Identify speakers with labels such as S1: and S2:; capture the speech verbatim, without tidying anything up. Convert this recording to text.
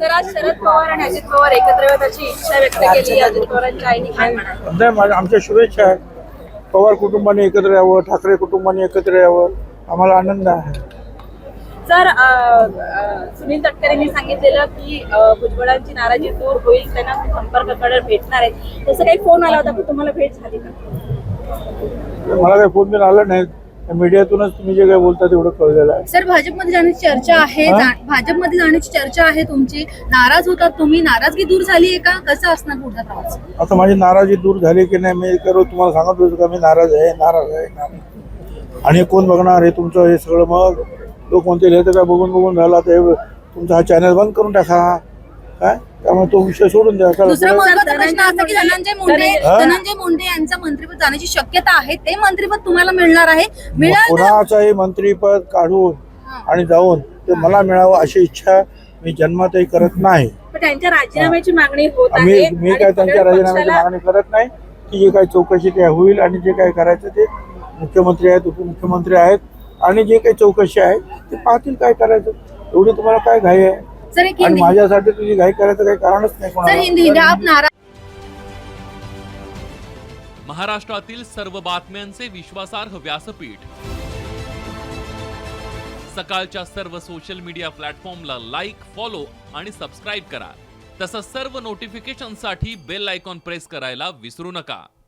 S1: Sir आज शरद पवार आणि अजित पवार एकत्र येण्याची इच्छा व्यक्त केली अजित पवारांच्या आईने, काय म्हणाल?
S2: नाही, माझ्या आमच्या शुभेच्छा आहेत. पवार कुटुंबाने एकत्र यावं, ठाकरे कुटुंबाने एकत्र यावं, आम्हाला आनंद आहे.
S1: सर अ, अ, सुनील तटकरेंनी सांगितलेलं की अ, भुजबळांची नाराजी दूर होईल, त्यांना संपर्क करणार, भेटणार आहेत. तसं काही फोन आला होता, पण तुम्हाला भेट झाली का?
S2: मला काही फोन बिन आला नाही. मीडियातूनच तुम्ही जे काही बोलता तेवढं कळलेलं आहे.
S3: सर भाजपमध्ये जाण्याची चर्चा आहे,
S2: हा?
S3: जा- भाजपमध्ये जाण्याची चर्चा आहे तुमची. नाराज होतात तुम्ही, नाराजगी दूर झाली आहे का? कसं असणार पुढचा प्रवास?
S2: आता माझी नाराजी दूर झाली की नाही मी करू तुम्हाला सांगत होतो का मी नाराज आहे नाराज आहे नाराज. आणि कोण बघणार हे तुमचं हे सगळं? मग लोक कोणते लिहितं काय बघून बघून झाला तर तुमचा हा चॅनल बंद करून टाका. काय त्यामुळे तो विषय सोडून द्या.
S3: दुसरा महत्त्वाचा प्रश्न असा की धनंजय मुंडे
S2: हा?
S3: धनंजय मुंडे यांचं मंत्रिपद जाण्याची शक्यता आहे. ते मंत्रिपद तुम्हाला मिळणार आहे? मिळालं तर-
S2: कोणाचंही मंत्रीपद काढून आणि जाऊन ते मला मिळावं अशी इच्छा मी जन्मातही करत नाही.
S1: पण त्यांच्या राजीनाम्याची मागणी होत
S2: मी
S1: आहे
S2: मी
S1: आणि
S2: काय त्यांच्या
S1: सगळ्या
S2: राजीनाम्याची
S1: पक्षाला-
S2: मागणी करत नाही. की जे काही चौकशी ते होईल आणि जे काही करायचं ते मुख्यमंत्री आहेत, उपमुख्यमंत्री आहेत आणि जे काही चौकशी आहे ते पाहतील काय करायचं. एवढी तुम्हाला काय घाई आहे?
S3: सर एक
S2: आणि
S3: हिंदी
S2: माझ्यासाठी तुझी घाई करायचं काही कारणच नाही
S3: सर
S2: कोणाला.
S3: हिंदी हिंदी आप नाराज
S4: महाराष्ट्रातील सर्व बातम्यांचे विश्वासार्ह व्यासपीठ सकाळच्या सर्व सोशल मीडिया प्लॅटफॉर्मला लाईक, फॉलो आणि सबस्क्राईब करा. तसंच सर्व नोटिफिकेशनसाठी बेल आयकॉन प्रेस करायला विसरू नका.